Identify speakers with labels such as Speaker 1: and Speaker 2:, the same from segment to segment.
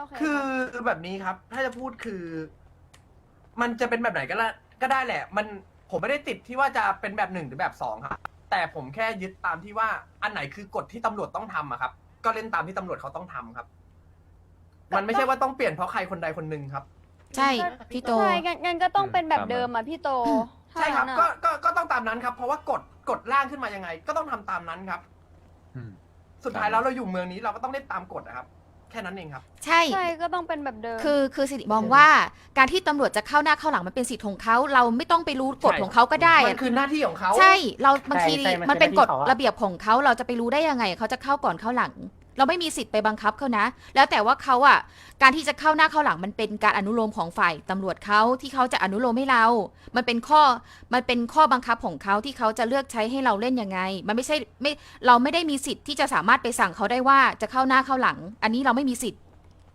Speaker 1: คือแบบนี้ครับถ้าจะพูดคือ มันจะเป็นแบบไหนก็ได้แหละมันผมไม่ได้ติดที่ว่าจะเป็นแบบหนึ่งหรือแบบสองครับแต่ผมแค่ยึดตามที่ว่าอันไหนคือกฎที่ตำรวจต้องทำอะครับ ก็เล่นตามที่ตำรวจเขาต้องทำครับ มันไม่ใช่ว่าต้องเปลี่ยนเพราะใครคนใดคนหนึ่งครับ
Speaker 2: ใช่พี่โต
Speaker 3: ใช่งั้นก็ต้องเป็นแบบเดิมอ่ะพี่โต
Speaker 1: ใช่ครับ
Speaker 3: ถ้างั้น
Speaker 1: ก็
Speaker 3: อะ
Speaker 1: ก็ต้องตามนั้นครับ เพราะว่ากฎร่างขึ้นมายังไง ก็ต้องทำตามนั้นครับ สุดท้ายแล้วเราอยู่เมืองนี้เราก็ต้องเล่นตามกฎนะครับ แค่นั้นเองครับ
Speaker 2: ใช่
Speaker 3: ใช่ก็ต้องเป็นแบบเดิม
Speaker 2: คือสิริมองว่าการที่ตำรวจจะเข้าหน้าเข้าหลังมันเป็นสิทธิ์ของเขาเราไม่ต้องไปรู้กฎ
Speaker 1: ใช่
Speaker 2: ของเขาก็ได้
Speaker 1: มันคือหน้าที่ของเขา
Speaker 2: ใช่เราบางที
Speaker 4: ใช่มันคือ
Speaker 2: มันเป็นกฎ
Speaker 4: หน้าที่เขาอะ
Speaker 2: ระเบียบของเขาเราจะไปรู้ได้ยังไงเขาจะเข้าก่อนเข้าหลัง เราไม่มีสิทธิ์ไปบังคับเขานะ แล้วแต่ว่าเขาอ่ะการที่จะเข้าหน้าเข้าหลังมันเป็นการอนุโลมของฝ่ายตำรวจเขาที่เขาจะอนุโลมให้เรา มันเป็นข้อบังคับของเขาที่เขาจะเลือกใช้ให้เราเล่นยังไง มันไม่ใช่เราไม่ได้มีสิทธิ์ที่จะสามารถไปสั่งเขาได้ว่าจะเข้าหน้าเข้าหลัง อันนี้เราไม่มีสิทธิ์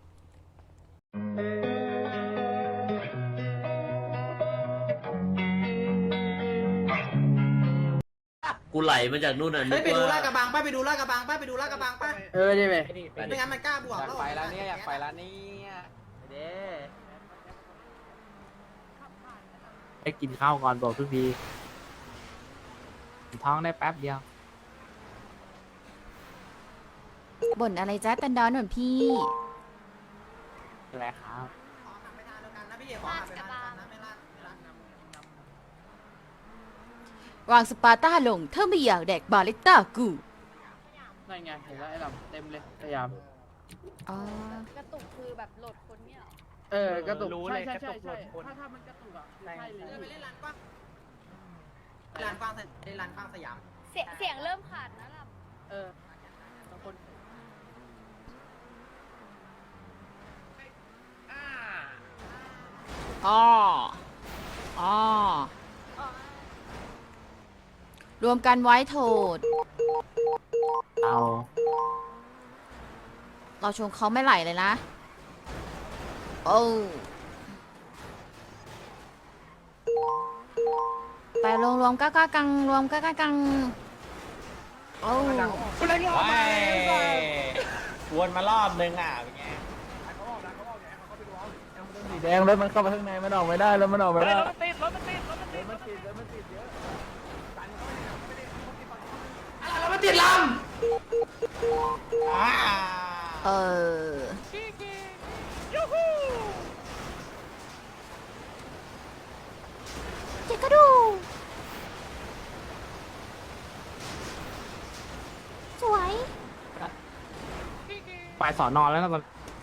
Speaker 5: กูไหลมาจากนู่นน่ะนึก
Speaker 6: ไปดูลา
Speaker 5: ว่า
Speaker 6: ดกระบังป้าไปดูลาดกระบังป้าไปดูลาดกระบังป้า
Speaker 4: ใช่ไหม
Speaker 6: ไม่งั้นมันกล้าบวก
Speaker 4: อยากไปแล้วเนี่ยอยากไปแล้วเนี่ยเด้ไปกินข้าวก่อนบอกทุกทีท้องได้แป๊บเดียว
Speaker 2: บ่นอะไรจ้าตันดอนหน่อยพี่
Speaker 4: อะไรครับ
Speaker 6: ไปทานเดียวกันนะพี่ขอไปทานกันนะไม่ลาด
Speaker 2: วางสปาร์ต้าลงถ้าไม่อยากแดกบาเลต้ากู
Speaker 4: นั่นไงเห็นแล้วไอ้ลำเต็มเลยพยายาม
Speaker 2: อ๋อ
Speaker 3: กระตุกคือแบบโหลดคนเนี่ย
Speaker 4: กระตุก
Speaker 7: รู้
Speaker 4: ใช่
Speaker 7: เลย
Speaker 4: ใช่
Speaker 7: กระ
Speaker 4: ใช่
Speaker 7: ตุก
Speaker 4: ใช่
Speaker 7: หลบคน
Speaker 4: ถ้ามันกระตุกอ่ะใช่เลย
Speaker 6: ไปเล่นร้านกว้างร้านกว้างร้านกว้างสยาม
Speaker 3: เสียงเริ่มขาดนะล่ะ
Speaker 4: บางคน
Speaker 2: อ๋ออ๋อรวมกันไว้โทษ
Speaker 4: เอา
Speaker 2: เราชงเขาไม่ไหลเลยนะ โอ้ไปรวมก้ากังรวมก้ากังโอ้
Speaker 7: วนมารอบนึงอ่ะเป็นไง
Speaker 4: สีแดงรถมันเข้าไปข้างในมันออกไม่ได้แล้วมันออกไม่ได้
Speaker 7: รถมันติดรถมันติดรถมันติดรถมันติด
Speaker 1: แล้วมันติดล
Speaker 2: เออเจ๊กระดูสวย
Speaker 4: ไปสอนอแล้วนะตอน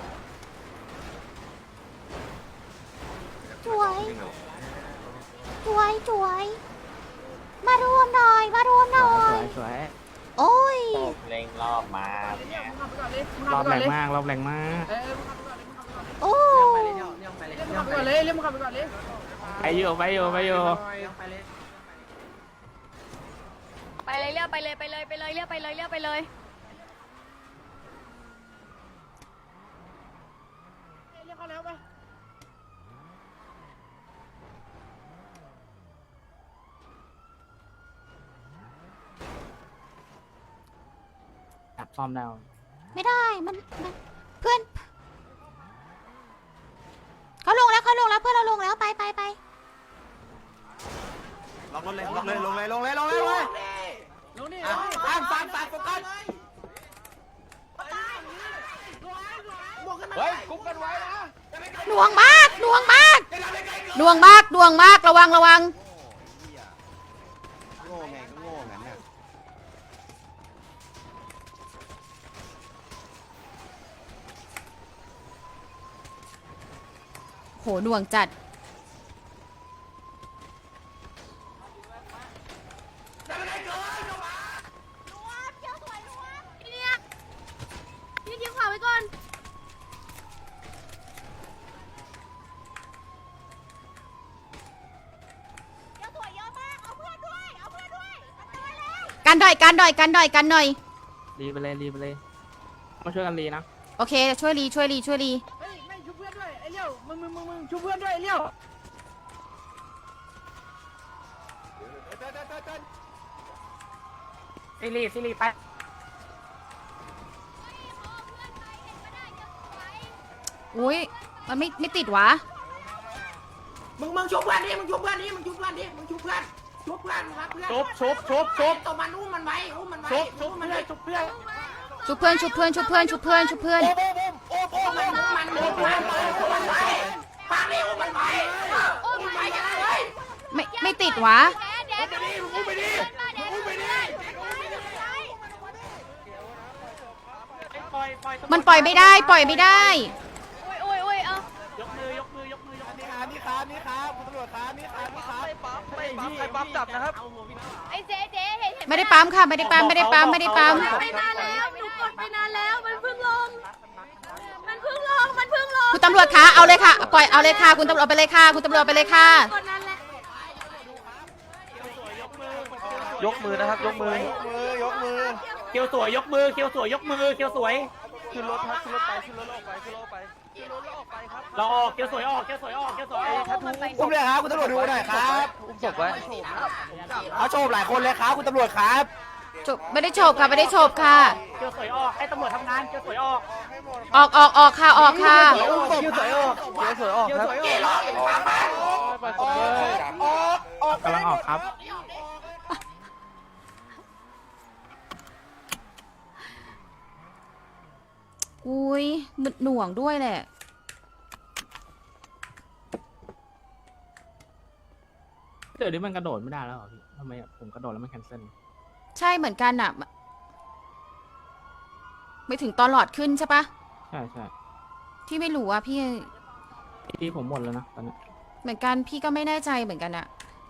Speaker 2: สวยสวยสวยมารวมหน่อยมารวมหน่อ
Speaker 4: ส
Speaker 2: ย
Speaker 4: วยสวย
Speaker 2: โอ้ย
Speaker 7: เล็งรอบมาเป็นไง
Speaker 4: รอบแรงมากรอบแรงมาก
Speaker 2: โอ้
Speaker 6: ไปเลยเนี่ยไปเลยเนี่ยไปเลย
Speaker 4: ไปอยู่ไปอยู่ไปอยู่
Speaker 6: ไปเลย
Speaker 3: ไปเลยเรียกไปเลยไปเลยไปเลยเรียกไปเลยเรียกไปเลย
Speaker 4: จับซ่อมแล้ว
Speaker 2: ไม่ได้มันเพื่อนเขาลงแล้วเพื่อนเราลงแล้วไป
Speaker 6: ลงรถเลยลงเลยลงเลยลงเลยลงเลยลงนี่ฟังโฟกัส
Speaker 7: เฮ้ยกุ๊กกันไว้นะ
Speaker 2: หน่วงมากระวัง
Speaker 6: โง่ไงก็โง่งั้นน่ะ
Speaker 2: โหหน่วงจัดพี่ทิ้งขวาไว้ก่อนกันหน่อย
Speaker 4: รีไปเลยรีไปเลยมาช่วยกันรีนะ
Speaker 2: โอเคช่วยรี
Speaker 4: เฮ้ยไม่ชุบเพื่อนด้วยไอ้เลี้ยวมึงชุบเพื่อนด้วยไอ้เลี้ยวซิริไป
Speaker 2: อุ้ยมันไม่ติดวะ
Speaker 4: มึงชุบเพื่อนดิมึงชุบเพื่อนดิมึงชุบเพื่อนดิมึงชุบเพื่อนชุบเพื่อนครับเพื่อน
Speaker 7: ชุบ
Speaker 4: ตัวมันอุ้มมันไว้อุ้มมันไว้
Speaker 7: ชุบเพื่อนชุบเพื่อน
Speaker 2: ชุบเพื่อนชุบเพื่อนชุบเพื่อนชุบเพื่อนชุบเพื่อน
Speaker 4: มันอุ้มมันไว้ฟังดิอุ้มมันไว้อุ้มมันไว้กันเลย
Speaker 2: ไม่ติดวะ
Speaker 3: แดดไปดิมึงไปดิมึงไปดิ
Speaker 2: มันปล่อยไม่ได้ปล่อยไม่ได้
Speaker 3: โอ้ยเอ้าย
Speaker 7: กมือยกมือยกมือยกมือ
Speaker 6: นี่ครับคุณตำรวจครับนี่ครับ
Speaker 7: ใครปั๊มจับนะครับ
Speaker 3: ไอ้เจ๊เห็น
Speaker 2: ไม่ได้ปั๊มค่ะไม่ได้ปั๊มไม่ได้ปั๊มไม่ได้ปั๊ม
Speaker 3: ไปนานแล้วหนูกดไปนานแล้วมันเพิ่งลงมันเพิ่งลง
Speaker 2: คุณตำรวจคะเอาเลยค่ะปล่อยเอาเลยค่ะคุณตำรวจไปเลยค่ะคุณตำรวจไปเลยค่ะ
Speaker 3: กดนั้นแหละ
Speaker 7: ยกมือนะครับยกมือ
Speaker 6: ยกมือ
Speaker 7: เคียวสวยยกมือเคียวสวยยกมือเคียวสวย
Speaker 6: ขึ้นรถครับขึ้นรถไปขึ้นรถออกไปขึ้นรถออกไป
Speaker 7: เราออกเคียวสวยออกเคียวสวยออกเคียวสวย
Speaker 6: อุ้มเลยครับคุณตำรวจดูหน่อยครับอุ้มศพไว้เอาโฉบหลายคนเลยครับคุณตำรวจครับ
Speaker 2: จบไม่ได้โฉบค่ะไม่ได้โฉบค่ะ
Speaker 7: เคียวสวยออกให้ตำรวจทำงานเคียวสวยออก
Speaker 2: ออกค่ะออกค่ะ
Speaker 6: อุ้มศพสวยออกสวยออกครับออกกำลังออกครับ
Speaker 2: อุ้ยมึนหน่วงด้วยแหละ
Speaker 8: เดี๋ยวนี้มันกระโดดไม่ได้แล้วเหรอพี่ทำไมผมกระโดดแล้วมันแคนเซิล
Speaker 2: ใช่เหมือนกันอ่ะไม่ถึงตอนหลอดขึ้นใช่ปะ
Speaker 8: ใช่ใช่
Speaker 2: ที่ไม่รู้อ่ะพี่
Speaker 8: ที่ผมหมดแล้วนะตอนนี้
Speaker 2: เหมือนกันพี่ก็ไม่แน่ใจเหมือนกันอ่ะ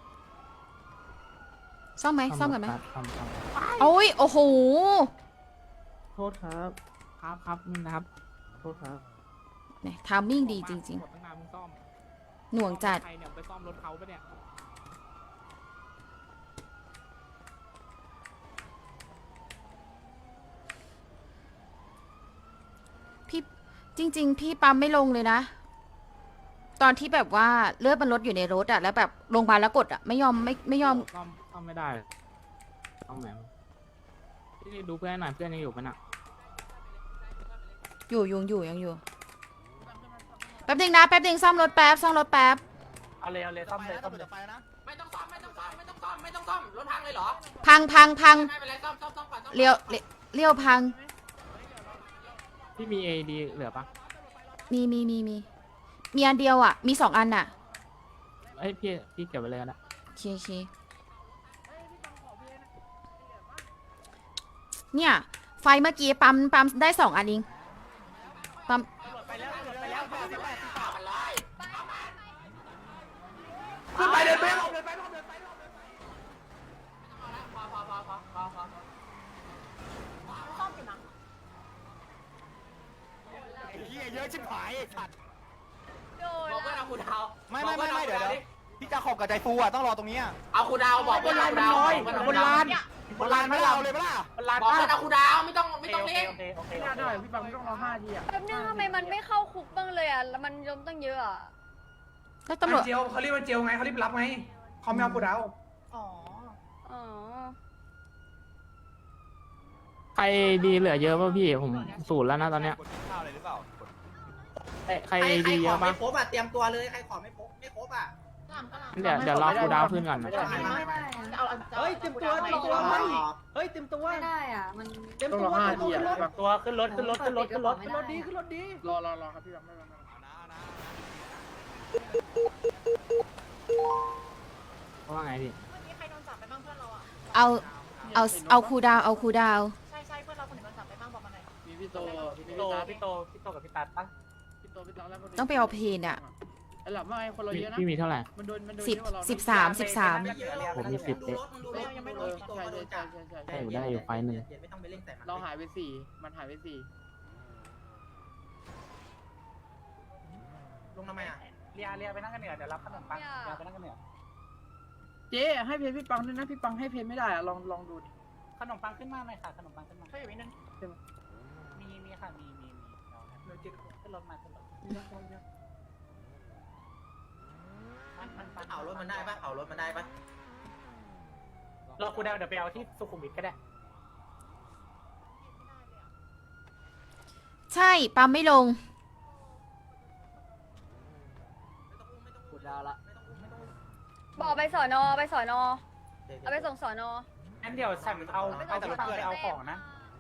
Speaker 2: ซ่อมไหมซ่อมกันไหม
Speaker 8: ซ่อม
Speaker 2: โอ้ยโอ้โห
Speaker 8: โทษครับครับนี่นะครับโทษครับ
Speaker 2: เนี่ยทามมิ่งดีจริง
Speaker 8: หมดตั้งนานมึงซ่อม
Speaker 2: ๆ หน่วงจัด
Speaker 8: ใครเนี่ยไปซ่อมรถเขาปะเนี่ย
Speaker 2: พี่จริง ๆ พี่ปั๊มไม่ลงเลยนะ ตอนที่แบบว่าเลือดมันลดอยู่ในรถอะแล้วแบบลงมาแล้วกดอะไม่ยอมไม่ยอม
Speaker 8: ซ่อมไม่ได้ซ่อมไหนวะพี่ดูเพื่อนหน่อยเพื่อนยังอยู่ปะน่ะ
Speaker 2: อยู่ยังอยู่แป๊บนึงนะแป๊บนึงซ่อมรถแป๊บซ่อมรถแป๊บ
Speaker 7: เอาเลยซ่อมเลยซ่อมเลย
Speaker 4: ไม่ต้องซ่อมรถพังเลยเหรอ
Speaker 2: พัง
Speaker 4: ไม่เป็นไรซ่อมก่อนซ่อมก่อน
Speaker 2: เลี้ยวพัง
Speaker 8: พี่มีเอดีเหลือปะ
Speaker 2: มีอันเดียวอะมี2 อันอะ
Speaker 8: เอ้ยพี่เก็บไว้เลยนะ
Speaker 2: โอเคเนี่ยไฟเมื่อกี้ปั๊มได้2 อันเองปั๊ม
Speaker 1: ขึ้นไปเดินไป
Speaker 6: เฮียเยอะชิบหายสัตว์
Speaker 3: โดน
Speaker 4: บอกเพื่อนเอาคุณดาว
Speaker 6: ไม่เดี๋ยวพี่จะขอบกับใจฟูอ่ะต้องรอตรงนี้
Speaker 4: เอาคุณดาวบอกเพื่อนเอาคุณดาว
Speaker 6: บนลานไม่เอาเลยปะล่ะ
Speaker 4: บอกเพื่อนเอาคุณดาวไม่ต้องเล่น
Speaker 7: โอเค
Speaker 4: ไม่ได้พี่ปังไม่ต้องรอ5 ทีอ่ะ
Speaker 3: แป๊บนึงทำไมมันไม่เข้าคุกบ้างเลยอ่ะแล้วมันยมตั้งเยอะอ่ะ
Speaker 2: แล้วตำรวจ
Speaker 1: เจียวเขาเรียกว่าเจียวไงเขารีบรับไงเขาไม่เอากูดาว
Speaker 3: อ๋อ
Speaker 8: ใครดีเหลือเยอะป่ะพี่ผมศูนย์แล้วนะตอนเนี้ย
Speaker 6: ข้าวอะไรหรือเปล่า
Speaker 8: ใครดีเยอะปะ
Speaker 4: ครบอ่ะเตรียมตัวเลยใครขอไม่ครบอ่ะ
Speaker 8: เดี๋ยวรอกูดาวขึ้นก่อนนะ
Speaker 4: เฮ้ยเตรียมตัวเฮ้ยเตรียมตัว
Speaker 3: ไม่ได้อ่ะมัน
Speaker 4: เตรียมตัว5 ทีอ่ะ
Speaker 7: ตัวขึ้นรถ
Speaker 4: รถดีรอครับพี่ปังไม่เป็นไร
Speaker 8: ว่าไงพี่
Speaker 2: เอาคูลดาวน์เอาคูลดาวน์
Speaker 4: มีพี่โต
Speaker 7: พี่โตกับพี่ตัดปะ
Speaker 4: แล้ว
Speaker 2: ต้องไปเอาเพนอะ
Speaker 4: ไอ้หลับว่าไงคนเราเยอะนะ
Speaker 8: พี่มีเท่าไหร่
Speaker 4: มันโดน
Speaker 2: 13
Speaker 8: ผมมี10เด็ก
Speaker 4: ยังไม่โดนใช่
Speaker 8: ได้อยู่ไฟหนึ่ง
Speaker 4: เราหายไป4มันหายไป4ลงทำไมอ่ะ
Speaker 7: เรียไปนั่งกันเหนือเดี๋ยวรับขนมปังเรียไปนั่งกันเหนือ
Speaker 4: เจ๊ให้เพนพี่ปังด้วยนะพี่ปังให้เพนไม่ได้อ่ะลองดูดิ
Speaker 7: ขนมปังขึ้นมาหน่อยค่ะขนมปังขึ้นมามีค่ะมีขึ้นรถมาขึ้นรถ
Speaker 4: เผารถมันได้ปะเผารถมันได้ปะ
Speaker 7: รอกูเดี๋ยวไปเอาที่สุขุมวิทก็ได้
Speaker 2: ใช่ปั๊มไม่ลง
Speaker 3: บอกไปสอนอเอาไปส่งสอนอ
Speaker 7: งั้นเดี๋ยวฉันเอาแต่รถเพื่อนเอาของนะ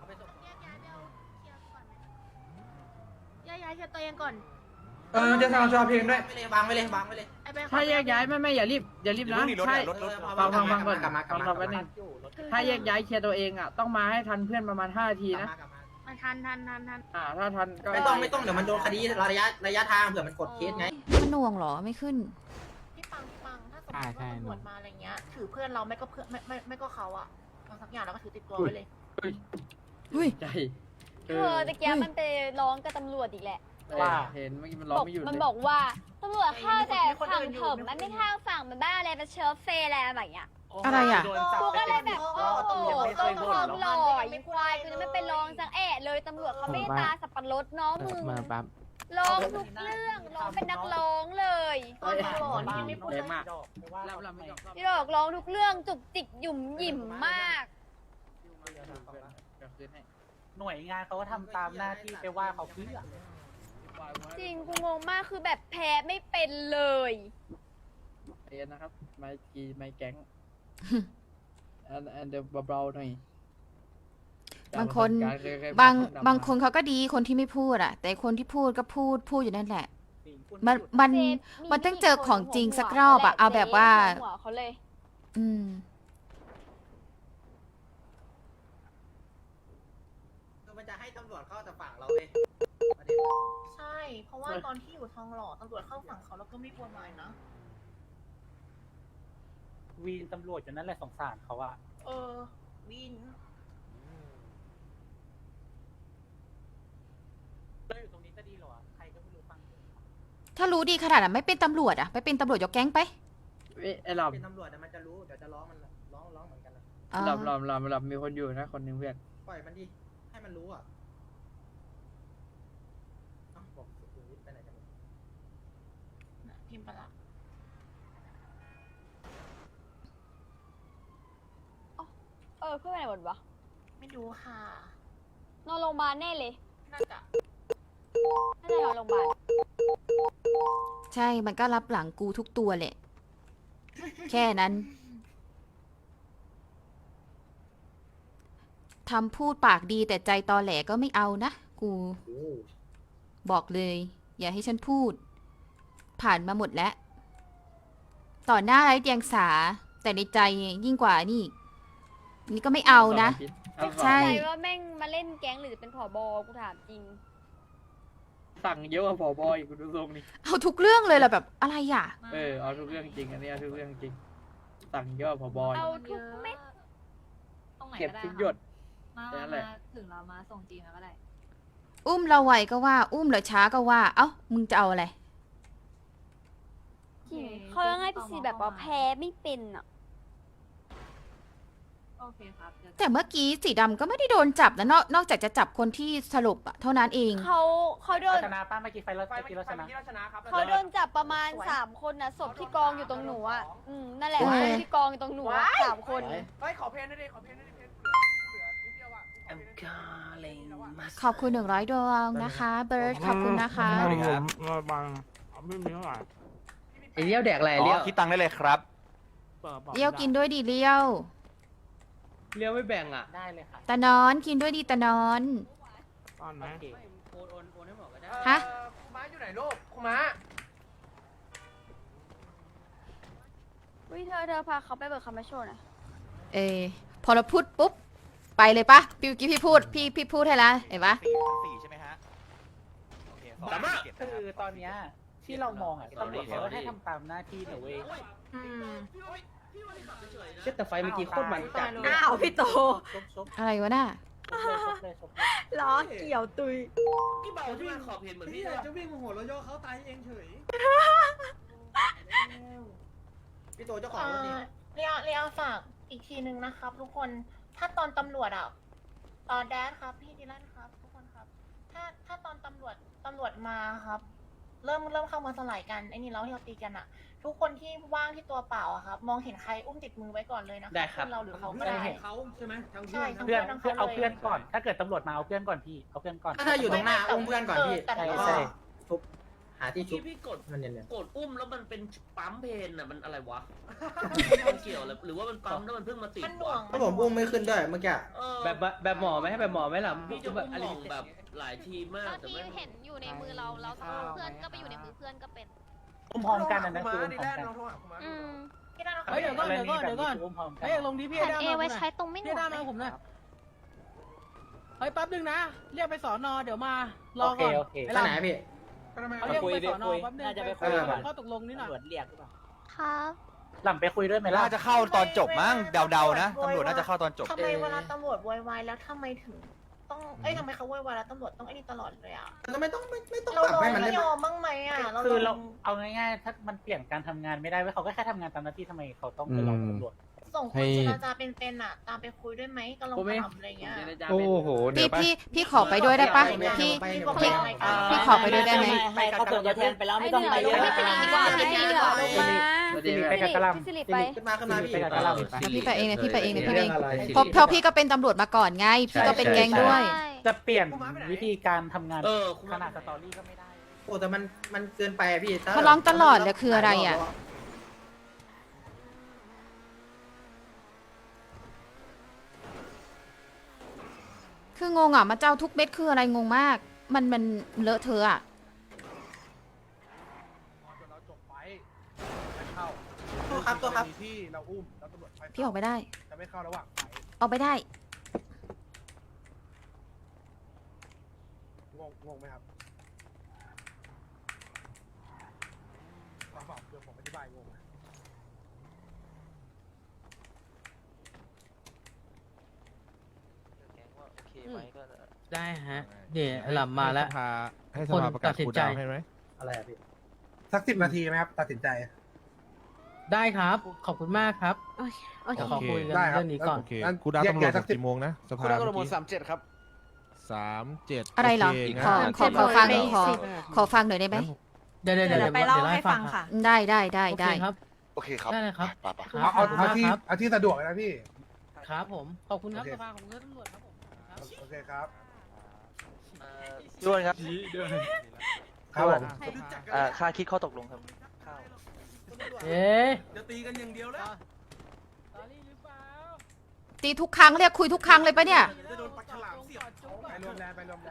Speaker 3: ย้ายเคลียร์ตัวเองก่อน
Speaker 1: จะทำชอเพลงด้วย
Speaker 4: วางไว้เลย
Speaker 9: ถ้าแยกย้ายไม่อย่ารีบนะใช่ฟังก่อน
Speaker 4: กลับมากลับ
Speaker 9: ฟังแป๊บนึงถ้าแยกย้ายเคลียร์ตัวเองอ่ะต้องมาให้ทันเพื่อนประมาณ5 นาทีนะ
Speaker 3: มันทัน
Speaker 9: ถ้าทันก็
Speaker 4: ไม่ต้องเดี๋ยวมันโดนคดีระยะทางเผื่อมันกดเคสไง
Speaker 2: มันหน่วงเหรอไม่ขึ้น
Speaker 3: พี่ปังถ้าสมมติว่าตำรวจมาอะไรเงี้ยถือเพื่อนเราไม่ก็เพื่อนไม่ก็เขาอะเอาสักอย่างแล้วก็ถือติดตัวไว้เลย
Speaker 9: ใจ
Speaker 3: ตะเกียบมันไปร้องกับตำรวจอีกแหละ
Speaker 7: ว่า
Speaker 9: เห็นเมื่อกี้มันร้องไม่หยุด
Speaker 3: มัน
Speaker 9: เลย
Speaker 3: บอกว่าตำรวจเข้าแต่ฝั่งผมมันไม่เข้าฝั่งมันบ้าอะไรมันเชิร์ฟเฟย์อะไรแบบเนี้ย
Speaker 2: อะไรอ่ะ
Speaker 3: กูก็เลยแบบโอ้โหต้นคอมหล่ออีควายกูจะไม่ไปลองสังแอะเลยตำรวจเขาไม่ตาสับปะรดน้องมึง
Speaker 8: มาปั๊บ
Speaker 3: ลองทุกเรื่องลองเป็นนักร้องเลย
Speaker 9: แรงมาก
Speaker 3: พี่ดอกร้องทุกเรื่องจุกจิกหยุ่มหยิ่มมาก
Speaker 7: หน่วยงานเขาก็ทำตามหน้าที่ไปว่าเขาเพื่อ
Speaker 3: จริงกูงงมากคือแบบแพ้ไม่เป็นเลย
Speaker 9: เอ็นนะครับไม่แก๊งอันเดี๋ยวเบาๆหน่อย
Speaker 2: บางคนบางคนเขาก็ดีคนที่ไม่พูดอ่ะ แต่คนที่พูดก็พูดอยู่นั่นแหละ มันต้องเจอของจริงสักรอบอ่ะเอาแบบว่า
Speaker 3: หัวเขาเลย
Speaker 2: อืม
Speaker 4: มันจะให้ตำรวจเข้าแต่ฝั่งเราเลย
Speaker 3: ใช่ เพราะว่าตอนที่อยู่ทองหล่อตำรวจเข้าฝั่งเขาแล้วก็ไม่กลัวหมายนะ
Speaker 7: วีนตำรวจอยู่นั่นแหละสงสารเขาอะ
Speaker 3: วิน
Speaker 7: เราอยู่ตรงนี้จะดีเหรอใครก็ไม่รู้ฟัง
Speaker 2: ถ้ารู้ดีขนาดนั้นไม่เป็นตำรวจอ่ะไปเป็นตำรวจยกแก๊งไป
Speaker 9: ไอ้หลอม
Speaker 4: เป็นตำรวจแต่มันจะรู้เดี๋ยวจะร้องมันร้องเหมือนกันนะ
Speaker 2: อ๋อ
Speaker 9: หลอมมีคนอยู่นะคนหนึงเพื่อน
Speaker 4: ปล่อยมันดิให้มันรู้อ่ะบอกสุขุมวิทไปไหนกัน
Speaker 3: พิมพ์ไปละเพื่อนไปไหนหมดวะไม่รู้ค่ะนอนโรงพยาบาลแน่เลยน่าจะนอนโรงพยาบาล
Speaker 2: ใช่มันก็รับหลังกูทุกตัวแหละ แค่นั้นทำพูดปากดีแต่ใจตอแหลก็ไม่เอานะกูบอกเลย อย่าให้ฉันพูด ผ่านมาหมดแล้ว ต่อหน้าไร้เดียงสา แต่ในใจยิ่งกว่านี่นี่ก็ไม่เอานะ ใช่
Speaker 3: ใจว่าแม่งมาเล่นแก๊งหรือจะเป็นผบกูถามจริง
Speaker 9: สั่งเยอะกว่าผบอีกคุณดูทรงนี่
Speaker 2: เอาทุกเรื่องเลยล่ะแบบอะไรอ่ะ
Speaker 9: เอาทุกเรื่องจริงอันนี้เอาทุกเรื่องจริงสั่งเยอะกว่าผบอีก
Speaker 3: เอาทุกเม็ด
Speaker 9: เก็บทุกหยดแค่นั้นแหละ
Speaker 3: ถึงเรามาส่งจีนแล้วก็ได้
Speaker 2: อุ้มเราไวก็ว่า อุ้มเราช้าก็ว่า เอ้ามึงจะเอาอะไร
Speaker 3: เขายังให้พี่ซีแบบว่าแพ้ไม่เป็นอ่ะ
Speaker 10: โอเคครับ
Speaker 2: แต่เมื่อกี้สีดำก็ไม่ได้โดนจับนะนอกจากจะจับคนที่สลบอะเท่านั้นเอง
Speaker 3: เขาโดน
Speaker 7: ชนะป้าเมื่อกี้ไฟเรา
Speaker 1: ไฟ
Speaker 7: เมื่อกี้เราชนะ
Speaker 3: เขาโดนจับประมาณ3 คนนะศพที่กองอยู่ตรงหนูอ่ะนั่นแหละ
Speaker 2: โอ้ย
Speaker 3: ศพที่กองอยู่ตรงหนูอะ3 คน
Speaker 1: ขอเพลงได้ขอเพลงได้เพลงเหลือนิดเดียวอ่ะ
Speaker 2: ขอบคุณ100 ดวงนะคะ เบิร์ดขอบคุณนะคะ
Speaker 8: มาบังไม่มีเท่าไหร่
Speaker 6: ไอเลี้ยวแดกอะไรเลี้ยวคิดตังค์ได้เลยครับ
Speaker 2: เลี้ยวกินด้วยดีเลี้ยว
Speaker 6: เลี้ยวไม่แบ่งอ่ะ
Speaker 7: ได้เลยค่ะ
Speaker 2: ตานอนกินด้วยดีตานอน
Speaker 8: ตอนไหน
Speaker 7: โอนให้หมดก็ได้
Speaker 2: ฮะ
Speaker 1: คุณม้าอยู่ไหนลูกคุณม้า
Speaker 3: วิเธอพาเขาไปเบิกคำมาโชว์หน่อย
Speaker 2: พอเราพูดปุ๊บ ไปเลยปะพี่กี้พี่พูดพี่พูดให้แล้วเห็นปะ
Speaker 6: 4ใช่ไหมฮะโอเค
Speaker 7: คือตอนเนี้ยที่เรามองอะตำรวจเขาก็ให้ทำตามหน้าที่นะเว้ย
Speaker 6: เช็ดแต่ไฟเมื่อกี้โคตรมันจัด
Speaker 3: อ้าวพี่โต
Speaker 7: ชก
Speaker 2: อะไรวะน่ะ
Speaker 7: เลย
Speaker 3: ล้อเกี่ยวตุย
Speaker 5: พี่เบาที่ขอบเห็นเหมือนพี่
Speaker 1: จะวิ่งมาหัวเราย่อเขาตายเองเฉย
Speaker 4: พี่โตเจ้าของรถนี่
Speaker 3: เรียฝากอีกทีนึงนะครับ ทุกคนถ้าตอนตำรวจแดนครับพี่ดิลันครับทุกคนครับ ถ้าตอนตำรวจมาครับ เริ่มเข้ามาสลายกันไอ้นี่เราที่เราตีกันอะทุกคนที่ว่างที่ตัวเปล่าอะครับ มองเห็นใครอุ้มติดมือไว้ก่อนเลยนะ
Speaker 6: ได้ครับ
Speaker 3: เราหรือเขาก็ได้
Speaker 1: เขาใช่ไหมทั้ง
Speaker 3: ใช่
Speaker 7: เพื่อนเอาเพื่อนก่อน ถ้าเกิดตำรวจมาเอาเพื่อนก่อนพี่เอาเพื่อนก่อน
Speaker 4: ถ้าอยู่ตรงหน้าอุ้มเพื่อนก่อนพี่
Speaker 3: แต่
Speaker 7: ใช่
Speaker 4: แล้วก็
Speaker 7: ใช่
Speaker 4: ทุบหา
Speaker 9: าที่ชุบ
Speaker 5: พี่กด
Speaker 9: มันเนี่ย
Speaker 5: กดอุ้มแล้วมันเป็นปั๊มเพนอ่ะมันอะไรวะ มันเกี่ยวหรือว่ามันปั๊มแล้วมันเพิ่งมาติด
Speaker 3: มันหน่วง
Speaker 9: ก็ผมอุ้มไม่ขึ้นด้วยเมื่อกี้
Speaker 5: แบบหมอไหมให้แบบหมอไหมล่ะพี่จะแบบมองแบบหลายทีมาก
Speaker 10: บาง
Speaker 5: แต่
Speaker 10: ที
Speaker 5: ไม่
Speaker 10: เห็นอยู่ในมือเราเพื่อนก็ไปอยู่ในมือเพื่อนก็เป็น
Speaker 7: อุ้มพร้อมกันนะ
Speaker 1: คุ
Speaker 7: คือ
Speaker 1: มา
Speaker 7: อุ้ม
Speaker 1: ดี
Speaker 7: พร้อ
Speaker 1: แล
Speaker 7: ม
Speaker 1: น
Speaker 7: กัน
Speaker 1: ลองโทรหาคุณมา
Speaker 10: อืม
Speaker 3: พี่ด้าน
Speaker 7: เฮ้ยเดี๋ยวก่อนอุ้มพร้อมกัน
Speaker 9: เฮ้ยลงที่พี่
Speaker 10: แผ่น
Speaker 9: ได้
Speaker 10: เอไว้ใช้ตรงไม่หน
Speaker 9: พี่
Speaker 10: ว
Speaker 9: ได้
Speaker 10: ก
Speaker 9: มา
Speaker 10: เลย
Speaker 9: ผมนะเฮ้ยแป๊บนึงนะเรียกไปสอนอเดี๋ยวมารอ
Speaker 7: โอเค
Speaker 9: ก่อน
Speaker 7: โอเค
Speaker 9: ไปไหนพี่เขาเรียกไปสอนอแป๊บนึง
Speaker 7: น่าจะไปคุ
Speaker 9: ไป
Speaker 7: ยกัน
Speaker 9: ข้อตกลงนิดหน่อย
Speaker 7: ตำรวจเรียกหรือเปล่า
Speaker 10: ครับ
Speaker 7: หล่ำไปคุยด้วยไหมล่ะ
Speaker 6: น่าจะเข้าตอนจบมั้งเดาๆนะตำรวจน่าจะเข้าตอนจบ
Speaker 3: ทำไมเวลาตำรวจโวยวายแล้วทำไมถึงต้องทำไมเขาโวยวายแล้วตำรวจต้องไอ้นี่ตลอดเลยอ่ะ
Speaker 9: ก็ไม่ต้อง
Speaker 3: เรา
Speaker 9: ปรับให้มัน
Speaker 3: ไม่
Speaker 9: ได้
Speaker 3: ยอมบ้างไหมอ่ะ
Speaker 7: คือเราเอาง่ายๆถ้ามันเปลี่ยนการทำงานไม่ได้เว้ยเขาก็แค่ทำงานตามหน้าที่ทำไมเขาต้องไปรอตำรวจ
Speaker 3: ส่งคนเจรจาเป็นๆอ่ะ ตามไปคุยด้วยไหมก็ลองถามอะไรเงี้ย
Speaker 6: โอ้โหเดี๋ยว
Speaker 2: พี่ขอไปด้วยได้ปะพี่ พี่ขอไปด้วยได้ไหม
Speaker 7: ให้เขาส่งตัวแทนไปแล้วไม่ต้องไป
Speaker 10: ให้เหลือ
Speaker 7: ด้วย
Speaker 10: ลงมาให้เหลือลงมา
Speaker 7: สิริไปกับกะหล่ำ
Speaker 10: พี่สิริไป
Speaker 9: ขึ้นมาพี่
Speaker 7: ไปกับกะหล่ำ
Speaker 2: พี่ไปเองนะพี่ไปเองนะพี่เองเพราะพี่ก็เป็นตำรวจมาก่อนไง พี่ก็เป็นแก๊งด้วย
Speaker 7: จะเปลี่ยนวิธีการทำงาน
Speaker 5: คุณ
Speaker 7: ขนาดสตอรี่ก็ไม่ได้
Speaker 9: โอ้แต่มันเกินไปอะพี่
Speaker 2: มาร้องตลอดเลยคืออะไรอ่ะ คืองงอ่ะมาเจ้าทุกเม็ดคืออะไรงงมาก มันเลอะเทอะอ่ะ
Speaker 1: เราจบไปไม่เข้า
Speaker 9: ตัวครับ
Speaker 1: ที่เราอุ้มแล้วตำรวจค่อย
Speaker 2: พี่ออกไปได้
Speaker 1: จะไม่เข้าระหว่างไฟ
Speaker 2: ออกไปได้
Speaker 1: งงไหมครับเดี๋ยวผมอธิบายงงไหม
Speaker 7: ได้ฮะเดี๋ยวหล่ำมาแล้ว
Speaker 11: ให้สภาประกาศคูลดาวน์ให้ไหม
Speaker 9: อะไรอะพี่
Speaker 1: สัก10 นาทีไหมครับ ตัดสินใจ
Speaker 7: ได้ครับ ขอบคุณมากครับ
Speaker 10: โอเค
Speaker 7: เดี๋ยวขอคุยกัน
Speaker 1: ได้ครับ
Speaker 7: เรื่องนี้ก่อน
Speaker 11: โอเคคูลดาวน์ตำรวจถึงกี่โมงนะสภา
Speaker 6: คุณได้กระ
Speaker 11: เมื่
Speaker 6: โด
Speaker 11: อ
Speaker 6: ด
Speaker 11: กี้
Speaker 6: 37 ครับ
Speaker 11: 37
Speaker 2: อะไรเหรอ
Speaker 11: โค
Speaker 2: ขอ
Speaker 11: งั้น
Speaker 2: ขอฟังขอฟังหน่อยได้ไหม
Speaker 7: เดี๋ยวไปเล่าให้ฟังค่ะ
Speaker 2: ได้
Speaker 7: ครับ
Speaker 6: โอเคครับ
Speaker 7: ได้เลยครับ
Speaker 6: ไป
Speaker 1: เอาที่สะดวกเลยนะพี่
Speaker 7: ครับผม ขอบคุณครับ
Speaker 1: โอเค
Speaker 7: สภาของเพื่อนตำรวจครับผมครับ
Speaker 1: โอเคครับ
Speaker 6: ด้วนครับ
Speaker 1: ครับผม
Speaker 6: ค่าคิดข้อตกลงครับ
Speaker 7: เอ๊ะ
Speaker 1: จะตีกันอย่างเดียวแล้ว
Speaker 7: ตอรี่หรือเปล่า
Speaker 2: ตีทุกครั้งเรียกคุยทุกครั้งเลยปะเนี่ย
Speaker 1: จะโดนปลาฉลามเสียบไปรวมแรงไปรวมแรง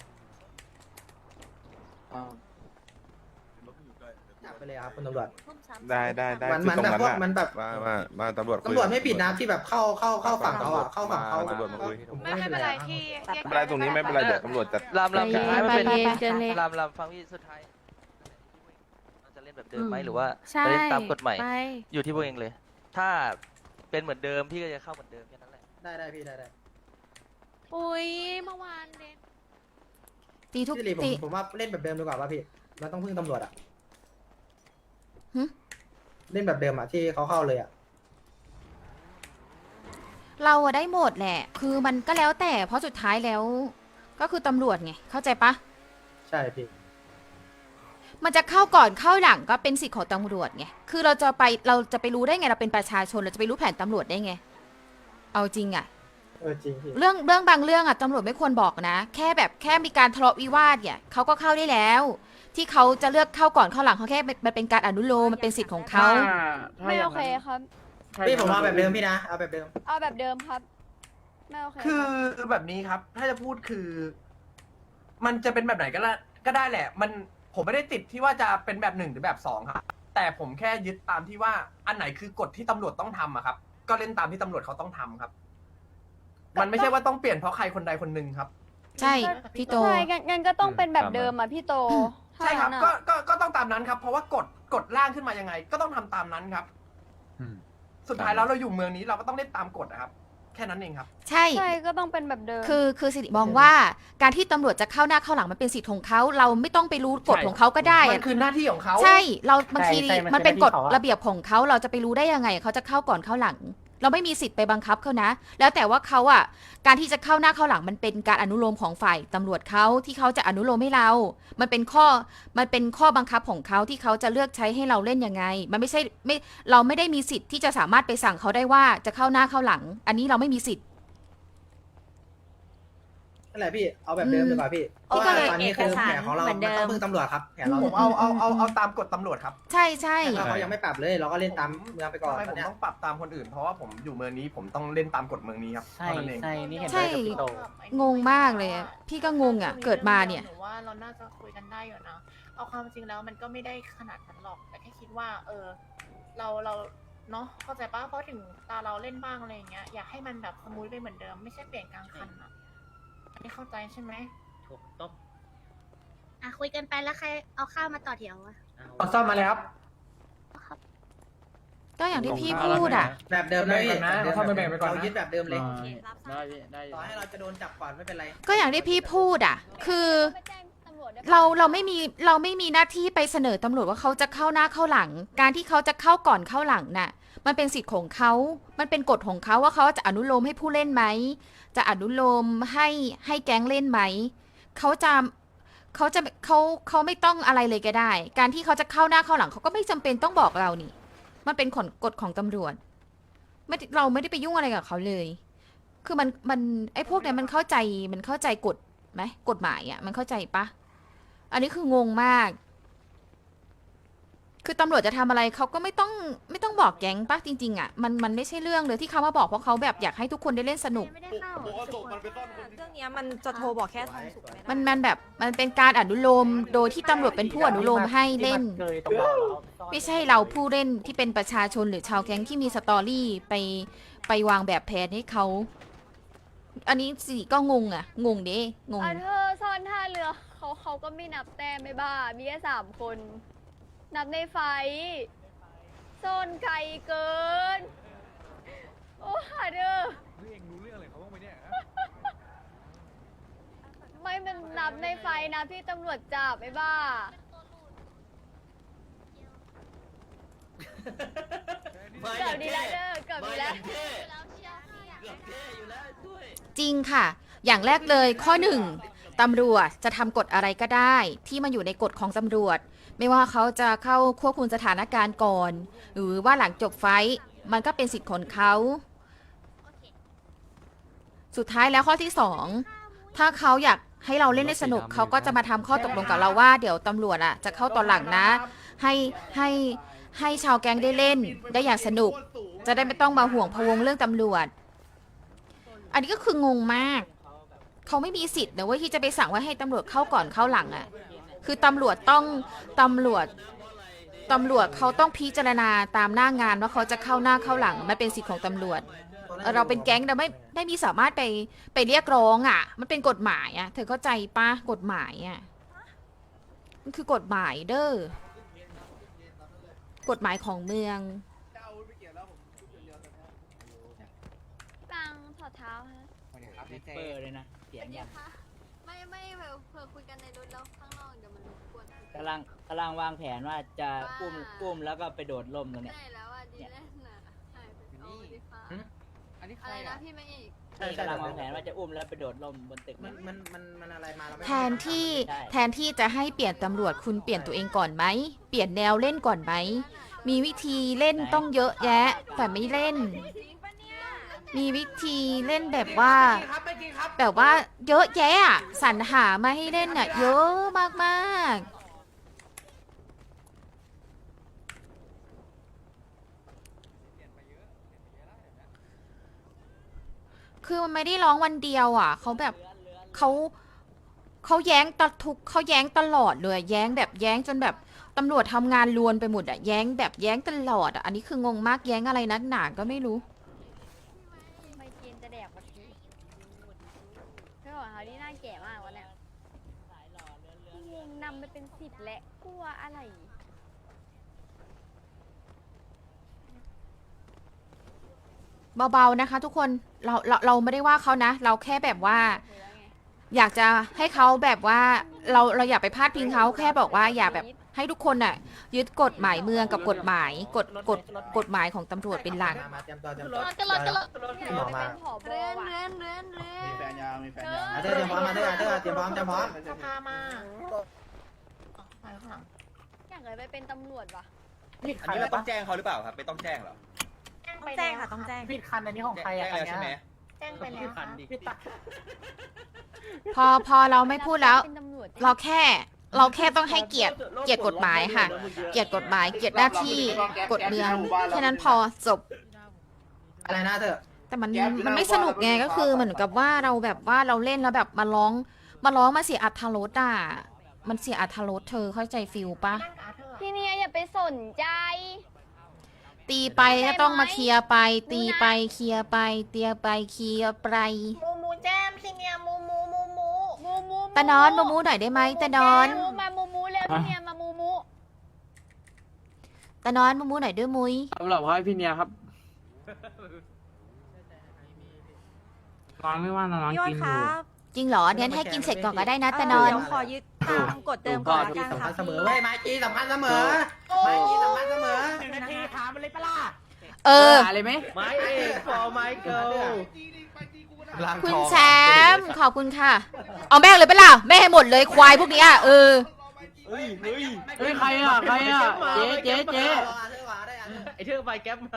Speaker 9: จับไปเลยครับคุณตำรวจ
Speaker 11: ได้
Speaker 9: มัน
Speaker 11: คือตรงนั้น
Speaker 9: แบบ
Speaker 11: น่ะ
Speaker 9: มันแบบ
Speaker 11: มาตำรวจคุย
Speaker 9: ตำรวจไม่ผิดนะที่แบบเข้าฝั่งเขาอ่ะเข้าฝั่งเขา
Speaker 11: ตำรวจมาคุย
Speaker 9: ผมไม่เป็นไรที่
Speaker 11: ไม่เป็นไรตรงนี้ไม่เป็นไรเดี๋ยวตำรวจจัด
Speaker 6: ลำ
Speaker 2: ไปเย็นเจนเลย
Speaker 6: ลำฟังพี่สุดท้ายเราจะเล่นแบบเดิมไหมหรือว่าจะเล่นตามกฎใหม่ อยู่ที่พวกเองเลย ถ้าเป็นเหมือนเดิมพี่ก็จะเข้าเหมือนเดิมแค่นั้นแหละ
Speaker 9: ได้พี่ได้
Speaker 10: อุ้ยเมื่อวานเด็ก
Speaker 2: ตีทุก
Speaker 9: พี่ลี
Speaker 2: ตี
Speaker 9: ผมว่าเล่นแบบเดิมดีกว่าป่ะพี่เราต้องพึ่งตำรวจอ่ะ
Speaker 2: หึ
Speaker 9: เล่นแบบเดิมอ่ะที่เขาเข้าเลยอ่ะ
Speaker 2: เราอะได้หมดแหละ คือมันก็แล้วแต่เพราะสุดท้ายแล้ว ก็คือตำรวจไงเข้าใจปะ
Speaker 9: ใช่พี่
Speaker 2: มันจะเข้าก่อนเข้าหลังก็เป็นสิทธิ์ของตำรวจไง คือเราจะไปรู้ได้ไงเราเป็นประชาชนเราจะไปรู้แผนตำรวจได้ไง เอาจริงอะ
Speaker 9: จริงพี่
Speaker 2: เรื่องบางเรื่องอะตำรวจไม่ควรบอกนะ แค่มีการทะเลาะวิวาทเนี่ยเขาก็เข้าได้แล้ว ที่เขาจะเลือกเข้าก่อนเข้าหลังเขาแค่มันเป็นการอนุโลมมันเป็นสิทธิ์ของเขา
Speaker 10: ไม่โอเคครับ
Speaker 9: พี่ผมเอาแบบเดิมพี่นะเอาแบบเดิม
Speaker 10: เอาแบบเดิมครับ ไม่โอเค
Speaker 1: คือแบบนี้ครับ ถ้าจะพูดคือ มันจะเป็นแบบไหนก็ได้แหละ ผมไม่ได้ติดที่ว่าจะเป็นแบบ1หรือแบบ2ครับ แต่ผมแค่ยึดตามที่ว่าอันไหนคือกฎที่ตำรวจต้องทำอะครับ ก็เล่นตามที่ตำรวจเขาต้องทำครับ มันไม่ใช่ว่าต้องเปลี่ยนเพราะใครคนใดคนหนึ่งครับ
Speaker 2: ใช่พี่โต
Speaker 10: ใช่งั้นก็ต้องเป็นแบบเดิมอ่ะพี่โต
Speaker 1: ใช่ครับ
Speaker 10: ถ้างั้น
Speaker 1: ก็
Speaker 10: อะ
Speaker 1: ก็ต้องตามนั้นครับ เพราะว่ากฎร่างขึ้นมายังไง ก็ต้องทำตามนั้นครับ สุดท้ายแล้วเราอยู่เมืองนี้เราก็ต้องเล่นตามกฎนะครับ แค่นั้นเองครับ
Speaker 2: ใช่
Speaker 10: ใช่ก็ต้องเป็นแบบเดิม
Speaker 2: คือสิริมองว่าการที่ตำรวจจะเข้าหน้าเข้าหลังมันเป็นสิทธิ์ของเขาเราไม่ต้องไปรู้กฎของเขาก็ได้
Speaker 1: มั
Speaker 2: อะ
Speaker 1: นคือหน้าที่ของเขา
Speaker 2: ใช่เราบางที
Speaker 7: ใช่มัน
Speaker 2: มันเป็น
Speaker 7: เป็น
Speaker 2: กฎ
Speaker 7: หน้าที่เขาอะ
Speaker 2: ระเบียบของเขาเราจะไปรู้ได้ยังไงเขาจะเข้าก่อนเข้าหลัง เราไม่มีสิทธิ์ไปบังคับเขานะ แล้วแต่ว่าเขาอ่ะการที่จะเข้าหน้าเข้าหลังมันเป็นการอนุโลมของฝ่ายตำรวจเขาที่เขาจะอนุโลมให้เรา มันเป็นข้อบังคับของเขาที่เขาจะเลือกใช้ให้เราเล่นยังไง มันไม่ใช่เราไม่ได้มีสิทธิ์ที่จะสามารถไปสั่งเขาได้ว่าจะเข้าหน้าเข้าหลัง อันนี้เราไม่มีสิทธิ์
Speaker 7: นั่นแหละพี่เอาแบบเดิมดีกว่าพี่เพราะว่าตอนนี้คือแผนของเรามันต้องพึ่งตำรวจครับแผนเรา
Speaker 1: ผมเอาตามกฎตำรวจครับ
Speaker 2: ใช่ใช่
Speaker 7: ถ้าเขายังไม่ปรับเลยเราก็เล่นตามเมืองไปก่อน
Speaker 1: ทำไม
Speaker 7: ต
Speaker 1: ผ
Speaker 7: อน
Speaker 1: ม
Speaker 7: เนี้ย
Speaker 1: ต้องปรับตามคนอื่น เพราะว่าผมอยู่เมืองนี้ผมต้องเล่นตามกฎเมืองนี้ครับ
Speaker 8: ใช่
Speaker 1: เท่านั้นเอง
Speaker 8: ใช่นี่เห็น
Speaker 2: ใช่
Speaker 8: ด้วยกับพี่โต
Speaker 2: งงมากเลยอะพี่ก็งงอ่ะ เกิดมาเนี่ย
Speaker 3: หนูว่าเราน่าจะคุยกันได้อยู่นะเอาความจริงแล้วมันก็ไม่ได้ขนาดนั้นหรอกแต่แค่คิดว่า เราเนาะเข้าใจปะเพราะถึงตาเราเล่นบ้างอะไรอย่างเงี้ยอยากให้มันแบบสมูทไปเหมือนเดิมไม่ใช่เปลี่ยนกลางคันอ่ะอันนี้เข้าใจใช่ไหม
Speaker 5: ถูกต้อง
Speaker 10: อ่ะคุยกันไปแล้วใครเอาข้าวมาต่อแถวอะ
Speaker 1: เอาซ่อมมาเลยครับ
Speaker 2: ก็อย่างที่พี่พูดอ่ะ
Speaker 7: แบบเดิมเลย
Speaker 1: แบ่งกันนะเอาเข้าไปแบ่งไปก่อนนะ
Speaker 7: เรายึดแบบเดิมเลย
Speaker 9: ได้พี่ได้
Speaker 7: ต่อให้เราจะโดนจับก่อนไม่เป็นไร
Speaker 2: ก็อย่างที่พี่พูดอ่ะ คือเราไม่มีหน้าที่ไปเสนอตำรวจว่าเขาจะเข้าหน้าเข้าหลัง การที่เขาจะเข้าก่อนเข้าหลังน่ะ มันเป็นสิทธิ์ของเขา มันเป็นกฎของเขาว่าเขาจะอนุโลมให้ผู้เล่นไหม จะอนุโลมให้แก๊งเล่นไหม เขาไม่ต้องอะไรเลยก็ได้ การที่เขาจะเข้าหน้าเข้าหลังเขาก็ไม่จำเป็นต้องบอกเรานี่ มันเป็นกฎของตำรวจเราไม่ได้ไปยุ่งอะไรกับเขาเลย คือมันไอ้พวกเนี้ยมันเข้าใจกฎไหมกฎหมายอ่ะมันเข้าใจปะอันนี้คืองงมาก คือตำรวจจะทำอะไรเขาก็ไม่ต้องบอกแก๊งปะจริงๆอ่ะมันไม่ใช่เรื่องเลยที่เขามาบอกเพราะเขาแบบอยากให้ทุกคนได้เล่นสนุก
Speaker 10: ไม่ได้เข้า
Speaker 12: เรื่องเนี้ยมันจะโทรบอกแค่ทองสุกไม่ได้
Speaker 2: มันแบบมันเป็นการอนุโลมโดยที่ตำรวจเป็นผู้อนุโลมให้เล่น
Speaker 8: เกยตรงเราแล้ว
Speaker 2: ไม่ใช่เราผู้เล่นที่เป็นประชาชนหรือชาวแก๊งที่มีสตอรี่ไปวางแบบแผนให้เขา อันนี้สิก็งงอ่ะ งงเด้งง
Speaker 10: เธอซ่อนท่าเรือเขาก็ไม่นับแต้มไม่บ้า มีแค่3 คน นับในไฟซ่อนไกลเกิน โอ้หาเด้อไม่มันนับในไฟนะพี่ตำรวจจับไม่บ้า เกือบดีแล้วเด้อเกือบดีแล้ว
Speaker 5: เกือบเท่อยู่แล้วด้วย
Speaker 2: จริงค่ะ อย่างแรกเลยข้อ 1ตำรวจจะทำกฎอะไรก็ได้ที่มันอยู่ในกฎของตำรวจ ไม่ว่าเขาจะเข้าควบคุมสถานการณ์ก่อน หรือว่าหลังจบไฟท์มันก็เป็นสิทธิ์ของเขา สุดท้ายแล้วข้อที่ 2ถ้าเขาอยากให้เราเล่นได้สนุกเขาก็จะมาทำข้อตกลงกับเราว่าเดี๋ยวตำรวจอ่ะจะเข้าตอนหลังนะ ให้ชาวแก๊งได้เล่นได้อย่างสนุก จะได้ไม่ต้องมาห่วงพะวงเรื่องตำรวจ อันนี้ก็คืองงมาก เขาไม่มีสิทธิ์นะเว้ยที่จะไปสั่งว่าให้ตำรวจเข้าก่อนเข้าหลังอ่ะ คือตำรวจเขาต้องพิจารณาตามหน้างานว่าเขาจะเข้าหน้าเข้าหลังมันเป็นสิทธิ์ของตำรวจ เราเป็นแก๊งเราไม่มีสามารถไปเรียกร้องอ่ะ มันเป็นกฎหมายอ่ะ เธอเข้าใจปะกฎหมายอ่ะ มันคือกฎหมายเด้อกฎหมายของเมือง
Speaker 10: ปังถอดเท้าฮะ
Speaker 9: เปิดเลยนะเสียงอย่าง
Speaker 10: ไม่เผื่อคุยกันในรถแล้วข้างนอกเดี๋ยวมันรบกวน
Speaker 9: กำลังวางแผนว่าจะกุ้มแล้วก็ไปโดดร่มตรงเนี้ย
Speaker 10: ได้แล้วอ่ะดีแลนน่ะหายไปเอาดีฟ้า
Speaker 9: อันนี้ใค
Speaker 10: อะ
Speaker 9: ร
Speaker 10: ไรนะ
Speaker 9: อ่ะ
Speaker 10: พี่ไม่อีก
Speaker 9: นี่กำลังวางแผนว่าจะอุ้มแล้วไปโดดร่มบนตึก
Speaker 7: มันอะไรมาเราไม่
Speaker 2: แทนที่จะให้เปลี่ยนตำรวจคุณเปลี่ยนตัวเองก่อนไหม เปลี่ยนแนวเล่นก่อนไหม มีวิธีเล่นต้องเยอะแยะ แต่ไม่เล่น มีวิธีเล่นแบบว่า เยอะแยะอะสรรหามาให้เล่นอ่ะ เยอะมากๆคือมันไม่ได้ร้องวันเดียวอ่ะเขาแบบเขาแย้งเขาแย้งตลอดเลยแย้งแบบแย้งจนแบบตำรวจทำงานลวนไปหมดอ่ะแย้งแบบแย้งตลอดอ่ะอันนี้คืองงมากแย้งอะไรนักหนาก็ไม่รู้
Speaker 10: ไม่กินจะแดกวันนี้ไม่บอกเขาที่น่าแก่มากวันเนี้ยงงนำไปเป็น10และกลัวอะไร
Speaker 2: เบาๆนะคะทุกคนเราไม่ได้ว่าเขานะ เราแค่แบบว่า อยากจะให้เขาแบบว่าเราอยากไปพาดพิงเขาแค่บอกว่าอย่าแบบให้ทุกคนน่ะยึดกฎหมายเมืองกับกฎหมายกฎหมายของตำรวจเป็นหลัก
Speaker 7: มาเตรียมตัวกัน
Speaker 10: กันรถ
Speaker 7: หมอมา
Speaker 10: ผอบว่ะ
Speaker 9: มีแฟนยังมีแฟนยัง
Speaker 7: เตรียมพร้อมมาเตรียมพร้อม
Speaker 3: สภามาไปข้างหลัง
Speaker 10: อยากเลยไปเป็นตำรวจว่ะ
Speaker 12: อันนี้เราต้องแจ้งเขาหรือเปล่าครับไม่ต้องแจ้งหรอ
Speaker 3: ต้องแจ้งค่ะต้องแจ้ง
Speaker 8: ผิดคันอันนี้ของใครอ่ะ
Speaker 12: แจ้งแล้วใช่ไหม
Speaker 3: แจ้งไปแล้วค่ะ
Speaker 8: ผิดตา
Speaker 2: พอเราไม่พูดแล้ว
Speaker 10: เป็นตำรวจ
Speaker 2: เราแค่ต้องให้เกียรติกฎหมายค่ะ เกียรติกฎหมายเกียรติหน้าที่กฎเมืองแค่นั้นพอจบ
Speaker 4: อะไรนะเธอ
Speaker 2: แต่มันไม่สนุกไงก็คือเหมือนกับว่าเราแบบว่าเราเล่นแล้วแบบมาร้องมาเสียอรรถรสอ่ะมันเสียอรรถรสเธอเข้าใจฟิลปะ
Speaker 3: นั่งกับอาเธอร์
Speaker 10: พี่เนียอย่าไปสนใจ
Speaker 2: ตีไปก็ต้องมาเคลียร์ไป ตีไปเคลียร์ไปเตียไปเคลียร์ไป
Speaker 3: มูมูแจมซีเนียมูมูมูมู
Speaker 10: มูมู
Speaker 2: ตะนอนมามูหน่อยได้ไหมตะนอน
Speaker 10: มูมามูมูเร็วพี่เนียมามูมู
Speaker 2: ตะนอนมามูหน่อยด้วยมุ้ย
Speaker 9: สำหรับให้พี่เนียครับ
Speaker 8: น้องไม่ว่าน้อง
Speaker 12: พี่อ้อ
Speaker 8: กิ
Speaker 12: น
Speaker 8: น
Speaker 12: ค
Speaker 8: อยู่
Speaker 12: รับ
Speaker 2: จริงเหรอเดี๋ยวให้กินเสร็จก่อนก็ได้นะตะนอน
Speaker 12: เดี๋ยวขอยึดตามกฎเดิมก่อนละกันค่ะ
Speaker 4: เสมอเว้ยไมจีสำคัญเสมอไมจีสำคัญเสมอ
Speaker 7: 1 นาทีถามมันเลยปะล่ะ
Speaker 2: เออ
Speaker 9: อะไรไหม
Speaker 5: ไม้เอกฟอร์ไมเกิล
Speaker 2: คุณแชมป์ขอบคุณค่ะ เอาแม่งเลยไปะล่ะแม่ให้หมดเลยควายพวกเนี้ยเออ
Speaker 9: เฮ้ยใครอ่ะเจ๊
Speaker 5: ไอเธอไปแก๊ปมา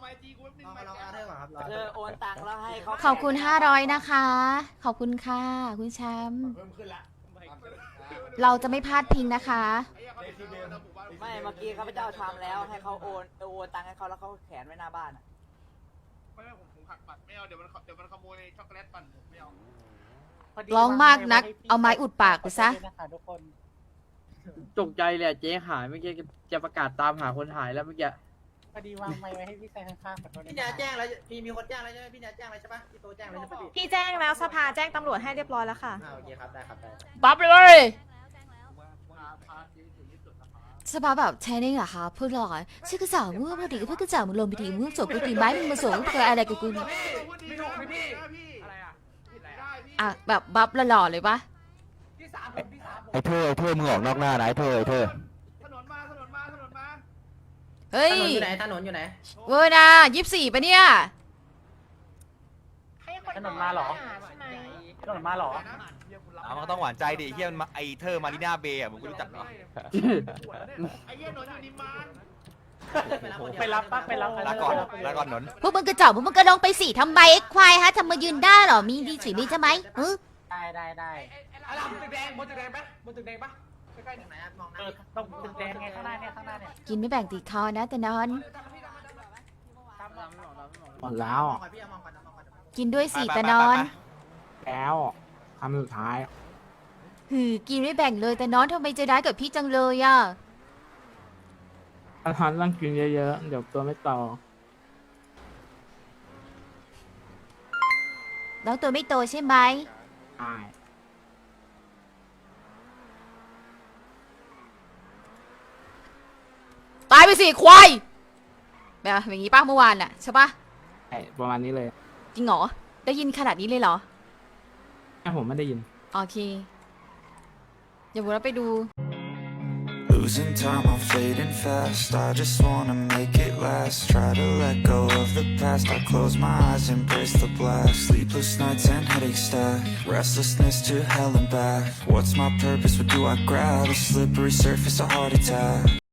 Speaker 7: โอนตังค์แล้วให้เขา
Speaker 2: ขอบคุณ500นะคะ ขอบคุณค่ะคุณแชมป์เราจะไม่พลาดพิงนะคะ
Speaker 7: ไม่เมื่อกี้ข้าพเจ้าทำแล้วให้เขาโอนตังค์ให้เขาแล้วเขาแขวนไว้หน้าบ้านอะ
Speaker 11: ไม่ผมหักบัตรไม่เอาเดี๋ยวมันขโมยช็อกโกแลตปั่นผมไม่เอา
Speaker 2: ร้องมากนักเอาไม้อุดปากไปซะ
Speaker 7: ทุกคน
Speaker 9: ตกใจเลยเจ๊หายเมื่อกี้จะประกาศตามหาคนหายแล้วเมื่อกี้
Speaker 7: พอดีวางไม้ไว้ให้พี่แซงข้างๆขอโทษ
Speaker 4: พี่เนียแจ้งแล้วมีคนแจ้งแล้วใช่ไหมพี่เนียแจ้งแล้วใช่ปะพี่โตแจ้งแล้วใช่ปะพี่
Speaker 12: พี่แจ้งแล้วสภาแจ้งตำรวจให้เรียบร้อยแล้วค่ะ
Speaker 4: โอเคครับได้ครับได้
Speaker 2: บัฟเลยสภาแบบใช้ได้เหรอคะพูดหรอชื่อกระจ่างมือพอดีก็เพื่อกระจ่างมือลมไปทีมือจบไปทีไม้มึงมาส่งเธออะไรกับกู
Speaker 1: ไม่ถูกพี่อะไรอ่ะ
Speaker 2: อ่ะแบบบัฟหล่อๆเลยปะ
Speaker 1: พี่สามผม
Speaker 11: ไอ้เธอมึงออกนอกหน้านะไอ้เธอ
Speaker 1: ถนนมา
Speaker 2: เฮ้
Speaker 4: ถ
Speaker 2: ย
Speaker 4: นนอยู่ไหนถนนอยู่ไหน
Speaker 2: เวอร์นะ24ปะเนี่ย
Speaker 3: ให้คน
Speaker 7: ถนนมาเหรอ
Speaker 3: ใช่ไหม
Speaker 7: ถนนมาเหรอ
Speaker 11: มันก็ต้องหวานใจดิเฮียมันไอเธอมารีนาเบย์อ่ะมึงรู้จักเหรอ
Speaker 1: ไอ้เหี้ยนนท์อยู่นิมมาน
Speaker 7: ไปรับปะไปรับ
Speaker 11: ลาก่อนนน
Speaker 2: พวกมึงกระจอกพวกมึงก็ลงไปสิทำไมไอ้ควายฮะทำมายืนได้เหรอมีดีสีมีใช่ไหมเออ
Speaker 7: ได้
Speaker 1: อะไรบนตึกแดงบนตึกแดงปะบนตึกแดงปะใกล้ๆ
Speaker 4: ไหนอะมองหน้า
Speaker 7: ตรงตึกแดงไงข้างหน้าเนี่ย
Speaker 2: กินไม่แบ่งติดคอนะแต่นอน
Speaker 8: หมดแล้ว
Speaker 4: มองก่อนพี่มองก่อนมองก่อน
Speaker 2: กินด้วยสิแต่นอน
Speaker 8: แล้วคำสุดท้าย
Speaker 2: หือกินไม่แบ่งเลยแต่นอนทำไมใจร้ายกับพี่จังเลยอ่ะ
Speaker 8: อาหารต้องกินเยอะๆ เดี๋ยวตัวไม่โต
Speaker 2: น้องตัวไม่โตใช่ไหม
Speaker 8: ใช่
Speaker 2: ตายไปสิควายแบบอย่างงี้ป้าเมื่อวานน่ะใช่ปะ
Speaker 8: ใช่ประมาณนี้เลย
Speaker 2: จริงเหรอได้ยินขนาดนี้เลยเหรอ
Speaker 8: แค่ผมไม่ได้ยิน
Speaker 2: โอเคเดี๋ยวผมเราไปดู
Speaker 13: Losing time, I'm fading fast. I just wanna make it last. Try to let go of the past. I close my eyes, embrace the blast. Sleepless nights and headaches stack. Restlessness to hell and back. What's my purpose? What do I grab? A slippery surface, a heart attack.